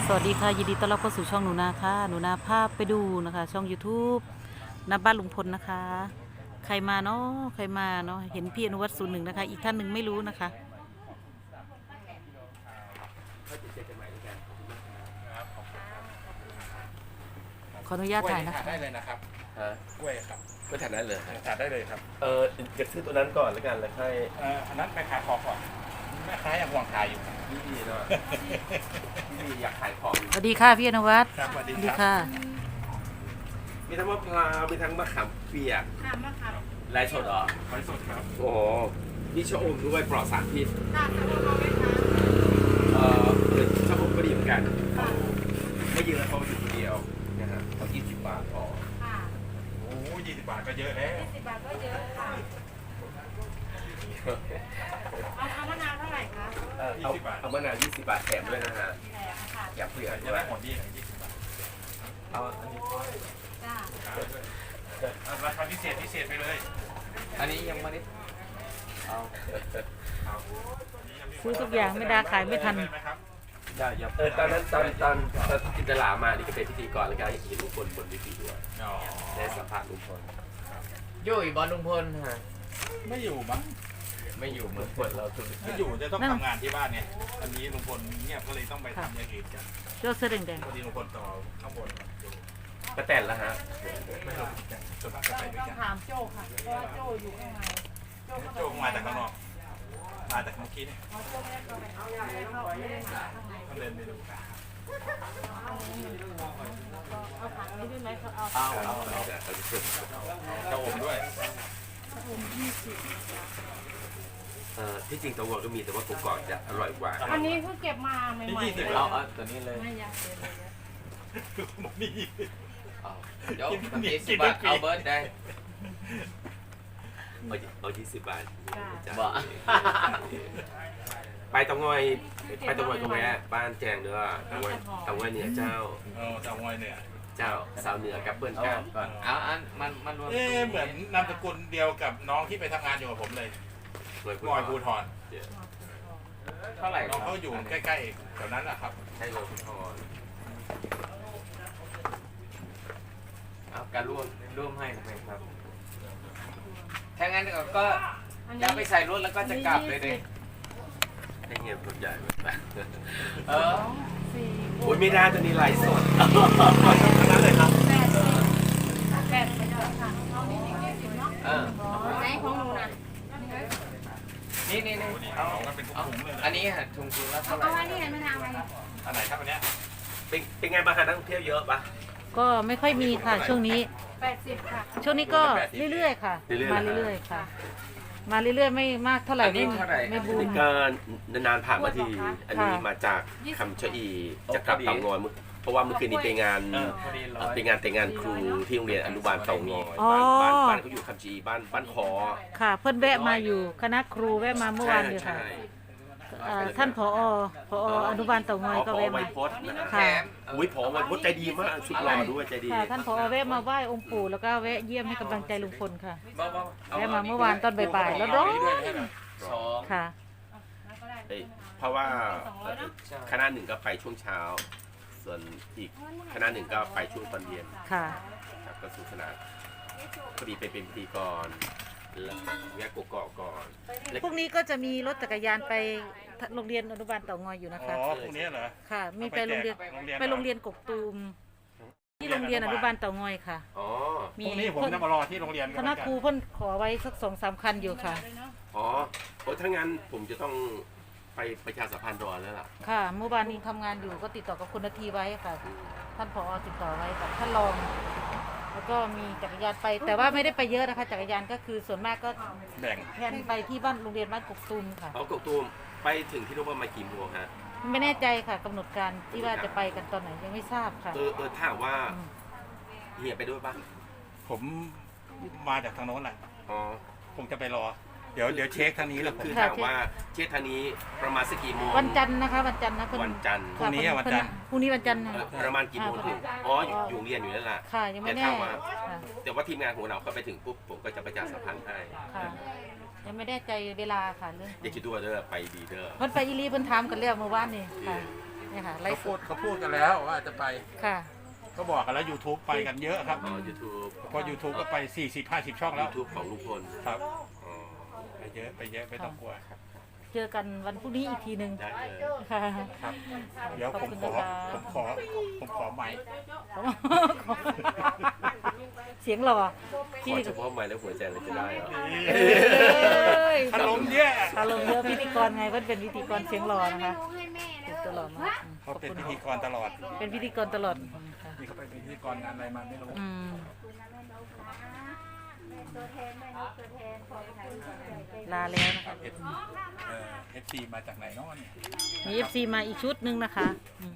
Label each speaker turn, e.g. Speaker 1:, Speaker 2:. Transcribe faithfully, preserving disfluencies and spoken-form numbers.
Speaker 1: สวัสดีค่ะยินดีต้อนรับเข้าสู่ช่องหนูนาค่ะหนูนาภาพไปดูนะคะช่อง YouTube นาบ้านลุงพลนะคะใครมาเนาะใครมาเนาะเห็นพี่อนุวัฒน์ศูนย์หนึ่งนะคะอีกท่านหนึ่งไม่รู้นะคะขออนุญาตถ่ายนะคะ
Speaker 2: ได้เลยนะครับ
Speaker 3: ฮะ
Speaker 2: กล้วยครับ
Speaker 3: กล้วยถาดนั้นเลย
Speaker 2: ทานได้เลยครับ
Speaker 3: เอออยากซื้อตัวนั้นก่อนแล้วกันแล้วค่อย
Speaker 2: เอ่ออันนั้นแม่ค้าของก่อนแม่ค้ายังห่วงขายอยู่
Speaker 3: พี่เนาะพี่อยากขายของ
Speaker 1: สวัสดีค่ะพี่อนุวัฒน์
Speaker 2: ครับสวัส
Speaker 1: ส
Speaker 2: ดี
Speaker 1: วัส
Speaker 2: ค
Speaker 1: ดี
Speaker 2: รับ
Speaker 1: ค่ะ
Speaker 3: มีทั้งมะพร้าวมีทั้งมะขามเปียก
Speaker 4: ค่ะมะขาม
Speaker 3: ลายสดเหรอ
Speaker 2: ไว้สดครับ
Speaker 3: โอ้โหมีชะอมด้วยปลอดสารพิษ
Speaker 4: ค่ะสำหรับเราไหมคะ
Speaker 3: เออชะอมก็ดีเหมือนกันเขาไม่เยอะเขาอยู่คนเดียวนะฮะเขายี่สิบบาทพอ
Speaker 4: ค่ะ
Speaker 2: โอ้ยี่สิบบาทก็เยอะแล้ว
Speaker 4: ยี่สิบบาทก็เยอะค่ะเอาเอามะนาวเท่าไหร่คะ
Speaker 3: เออเอาเอามะนาวยี่สิบบาทแถมด้วยนะฮะ
Speaker 4: แหนค่ะ
Speaker 3: อยากเปลือก
Speaker 2: จะ
Speaker 3: ด้วย
Speaker 2: ได้หมดดีหน่อยยี่สิบบาท
Speaker 3: เอาอันนี้
Speaker 4: จ้า
Speaker 2: เอาราคาพิเศษพิเศษไปเลย
Speaker 3: อันนี้ยังไม่ได้เอา
Speaker 1: ซื้อทุกอย่างไม่ได้ขายไม่ทัน
Speaker 2: ได้ไหมครับ
Speaker 3: ได้ยับเออตอนนั้นตอนตอนตอนจินตลามานี่ก็เป็นพิธีกรแล้วก็เห็นลุงพลบนเวทีด้วย
Speaker 2: อ๋อ
Speaker 3: ได้สัมภาษณ์ลุงพล
Speaker 5: อยู่อีบอลลุงพลฮะ
Speaker 2: ไม่อยู่มั้ง
Speaker 5: ไม่อยู่เหมือน
Speaker 3: พลเราธุรกิ
Speaker 2: ไม่
Speaker 3: จ
Speaker 2: อยู่จะต้องทำงานที่บ้านเนี่ยอันนี้ลุงพลเงียบก็เลยต้องไปทำอย่างอื่นกัน
Speaker 1: เจ้าเสื้อแดง
Speaker 2: พอดีลุงพลต่อข้างบนอยู่
Speaker 3: ก็แต่แล้วฮะ
Speaker 2: ไม่รู้กันส่วนมากจะไปด้วย
Speaker 4: ต้อง
Speaker 2: กัน
Speaker 4: ถามโจ้ค่ะเพราะว่าโจ้อยู่ข้างในโจ้เข้าไป
Speaker 2: โจ้มาจากข้างนอกมาจากเมื่อกี้นี่
Speaker 4: เพราะโจ้ไม่ได้เข้าไปเอาไม่ได้เข้าไม่ได้มาข้างใน
Speaker 2: ต้องเดินไปดู
Speaker 4: เอาผักนี้ด้วยไหมเขาเอา
Speaker 5: เอาเอา
Speaker 2: จะอมด้วย
Speaker 3: เอ่อที่จริงตัววัวก็มีแต่ว่ากกอกจะอร่อยกว่า
Speaker 4: อันนี้เพิ่งเก็บมาใหม่ๆ
Speaker 2: ยี่สิบ
Speaker 5: เอาเอาตัวนี้เลย
Speaker 4: ไม่อยากเก็บเลย
Speaker 2: นี่
Speaker 5: เอาเดี๋ยวทำยี่สิบบาทเอาเบิร์ดได้
Speaker 3: เอาเอายี่สิบบาทจ้ะ
Speaker 5: บ่
Speaker 3: ไปตะงอยไปตะงอยก็แวะบ้านแจงเด้อตะงอยตะงอยเหนือเจ้า
Speaker 2: เออจะงอยเนี่ย
Speaker 3: เจ้าสาวเหนือกับเปิ้ล
Speaker 5: เอา
Speaker 3: กัน
Speaker 5: ก่อนเอาอันมันมันรวม
Speaker 2: เอ๊ะเหมือนนามสกุลเดียวกับน้องที่ไปทำงานอยู่กับผมเลย
Speaker 3: หน่วย
Speaker 2: งอยภูทร
Speaker 5: เท่าไหร่ค
Speaker 2: น้
Speaker 5: รั
Speaker 2: อบ งเขาอยู่ใกล้ๆแถวนั้นแหละครับ
Speaker 3: ใช่หน่วยภูธร
Speaker 5: เอาการร่วมร่วมให้นะครับถ้างั้นก็
Speaker 4: อัน
Speaker 5: จะ
Speaker 4: นี้
Speaker 5: ไปใส่รถแล้วก็จะกลับเลยดิ
Speaker 3: ให้เงียบรถใหญ่ไป
Speaker 5: เออ
Speaker 4: สี่
Speaker 3: โอ้ยไม่ได้ตัวนี้ไลฟ์สดทั้งนั้นเลยครับ
Speaker 4: แปดสิบแปดสิบค่ะเอานี่อีกยี่สิบเนาะ
Speaker 5: เออ
Speaker 4: ไหนของหนูน่ะ
Speaker 5: นี่นี่นี่
Speaker 2: นี่
Speaker 5: เอา
Speaker 2: เอากันเป็น
Speaker 5: เอา
Speaker 2: ถุงๆเลย
Speaker 5: อั
Speaker 2: นะ
Speaker 5: นนี้ฮะถุงถุงละ
Speaker 4: เอา
Speaker 5: เท่าไหร่
Speaker 4: เอาอันนี้เห็นไหมทางอะไร
Speaker 2: อันไหนครับอันเนี้ย
Speaker 3: เป็นเป็นไงบ้างคะนักท่องเที่ยวเยอะปะ
Speaker 1: ๆก็ไม่ค่อยมีค่ะช่วงนี้
Speaker 4: แปดสิบค่ะ
Speaker 1: ช่วงนี้ก็เรื่อยๆค่ะ มาเรื่อยๆค่ะ มาเรื่อยๆไม่มากเท่าไหร่
Speaker 5: อันนี้
Speaker 1: ไม่
Speaker 5: เท่าไหร่
Speaker 1: ไม่บูม
Speaker 3: นี่ก็นานๆผ่านมาที อันนี้
Speaker 1: ค่ะ
Speaker 3: มาจากคำชะอีจะกลับเตางอยมื้อเพราะว่าเมื่อคืนนี้ไปงาน
Speaker 5: เออพอดีร้อย
Speaker 3: เป็นงานแต่งงานครูที่โรงเรียนอนุบาลเตางอย
Speaker 1: อ๋อ
Speaker 3: บ้านบ้านบ้านเขาอยู่คำชะอีบ้านบ้านคอ
Speaker 1: ค่ะ เพื่อนแวะมาอยู่คณะครูแวะมาเมื่อวานอยู่ค่ะ
Speaker 3: ใช่
Speaker 1: เอ่อท่านผอผออนุบาลเต่างอยก็
Speaker 3: พอ
Speaker 1: แวะ
Speaker 3: ไว
Speaker 1: มา
Speaker 3: พจน์นะ
Speaker 5: แถ
Speaker 1: ค่ะ
Speaker 5: ม
Speaker 3: อุ้ยพอไวพจน์ใจดีมากสุดหล่อด้วยใจดี
Speaker 1: ค่ะท่านผอแวะมาไหว้องค์ปู่แล้วก็แวะเยี่ยมให้กำลังใจลุงพลค่ะ
Speaker 5: บ่บ่
Speaker 1: แวะมาเมื่อวานตอนบ่ายๆแล้วร้อน
Speaker 5: สอง
Speaker 1: ค่ะ
Speaker 3: เอ้ยเพราะว่าคณะหนึ่งก็ไปช่วงเช้า ส่วนอีกคณะหนึ่งก็ไปช่วงตอนเย็น
Speaker 1: ค่ะ
Speaker 3: ครับก็สนุกสนานพอดีไปเป็นพิธีกรแล้วแยกกกอกก่อนแล้ว
Speaker 1: พรุ่งนี้ก็จะมีรถจักรยานไปโรงเรียนอนุบาลเต่างอยอยู่
Speaker 2: อ๋
Speaker 1: นะคะ
Speaker 2: อพวกนี้เหรอ
Speaker 1: ค่ะ มีไปโรงเรียน
Speaker 2: โรงเรียน
Speaker 1: ไปโรงเรียนกกตูมที่โรงเรียนอนุบาลเต่างอยค่ะ
Speaker 3: อ๋อ
Speaker 2: พรุ่งนี้ผมจะมารอที่โรงเรียน
Speaker 1: คณะครูเพิ่นขอไว้สักสองสามคันอยู่ค่ะ
Speaker 3: อ๋อโอ้ถ้างั้นผมจะต้องไปประชาสัมพันธ์รอแล้วล่ะ
Speaker 1: ค่ะ เมื่อวานนี้ทำงานอยู่ก็ติดต่อกับคุณนาทีไว้ค่ะ ท่านผอติดต่อไว้กับท่านรอง แล้วก็มีจักรยานไป แต่ว่าไม่ได้ไปเยอะนะคะ จักรยานก็คือส่วนมากก็
Speaker 2: แบ่ง
Speaker 1: แทนไปที่บ้านโรงเรียนบ้านกกตูมค่ะ
Speaker 3: เอากกตูมไปถึงที่โรงพยาบาลกี่โมงฮะ
Speaker 1: ไม่แน่ใจค่ะกำหนดการที่ว่าจะไปกันตอนไหนยังไม่ทราบค่ะ
Speaker 3: เออเออถ้าหากว่าเฮียไปด้วยป่ะ
Speaker 2: ผมมาจากทางโน้นแหละ
Speaker 3: อ๋อ
Speaker 2: คงจะไปรอ เดี๋ยวเดี๋ยวเช็คทางนี้แหละผม
Speaker 3: คือถ้าหากว่าเช็คทางนี้ประมาณสักกี่โมง
Speaker 1: วันจันทร์นะคะวันจันทร์นะเพิ่
Speaker 3: วันจันทร์
Speaker 1: ค่ะเพิ่พรุ่งนี้วันจันทร์
Speaker 3: เอ
Speaker 1: ค่ะ
Speaker 3: อประมาณกี่โมงถึงอ๋ออยู่อยู่โรงเรียนอยู่นั่นแหละ
Speaker 1: ค่ะยังไม่
Speaker 3: แต่
Speaker 1: แน่
Speaker 3: ถ้าว่า
Speaker 1: ค่ะ
Speaker 3: แต่ว่าทีมงานของเราเข้าไปถึงปุ๊บผมก็จะประชาสัมพันธ์ให้
Speaker 1: ค่ะยังไม่แน่ใจเวลาค่ะเรื่อง
Speaker 3: อย่าคิดตัวเด้อไปดีเด้อ
Speaker 1: เพิ่นไปอีหลีเพิ่นถามกันแล้วเมื่อวานนี่ค่ะเนี่ยค่ะไล
Speaker 2: เขา
Speaker 1: ฟ์ส
Speaker 2: พูด
Speaker 1: ด
Speaker 2: เขาพูดกันแล้วว่าจะไป
Speaker 1: ค่ะ
Speaker 2: ก็บอกกันแล้ว YouTube ไปกันเยอะครับ
Speaker 3: อ๋อ YouTube
Speaker 2: เพราะ YouTube ก็ไป สี่สิบ ห้าสิบ ช่องแล้ว
Speaker 3: YouTube ของลุงพล
Speaker 2: ครับ
Speaker 3: อ๋อ
Speaker 2: ไปเยอะไปเยอะไม่ต้องกลัว
Speaker 1: เจอกันวันพรุ่งนี้อีกทีหนึ่ง
Speaker 3: ได้เลย
Speaker 1: ค่ะ
Speaker 2: ครับ เดี๋ยวผมขอ ผมขอ ผมขอไมค์
Speaker 1: เสียงหล่อ
Speaker 3: ข
Speaker 1: พี่
Speaker 3: อเฉพาะไม้และหัวใจเราจะได้เหรอ
Speaker 2: อารมณ์เยอะ
Speaker 1: อารมณ์เยอะพิธีกรไงก็เป็นพิธีกรเสียงหล่อนะคะถูกตลอดมากอืมข
Speaker 2: เขา
Speaker 1: อบ
Speaker 2: เป็น
Speaker 1: คุณ
Speaker 2: พิธีกรตลอด
Speaker 1: เป็นพิธีกรตลอดค่ะ
Speaker 2: นี่เขาไปเป็นพิธีกรงานอะไรมาไม่รู้
Speaker 1: อืม
Speaker 4: ตัวแทนแม่นกตัวแทนของไทย
Speaker 1: ลาแล้วนะ
Speaker 2: ครั
Speaker 1: คะ
Speaker 2: บ เอฟซีมาจากไหนเนาะเนี่ย
Speaker 1: มีเอฟซีมาอีกชุดหนึ่งนะคะอืม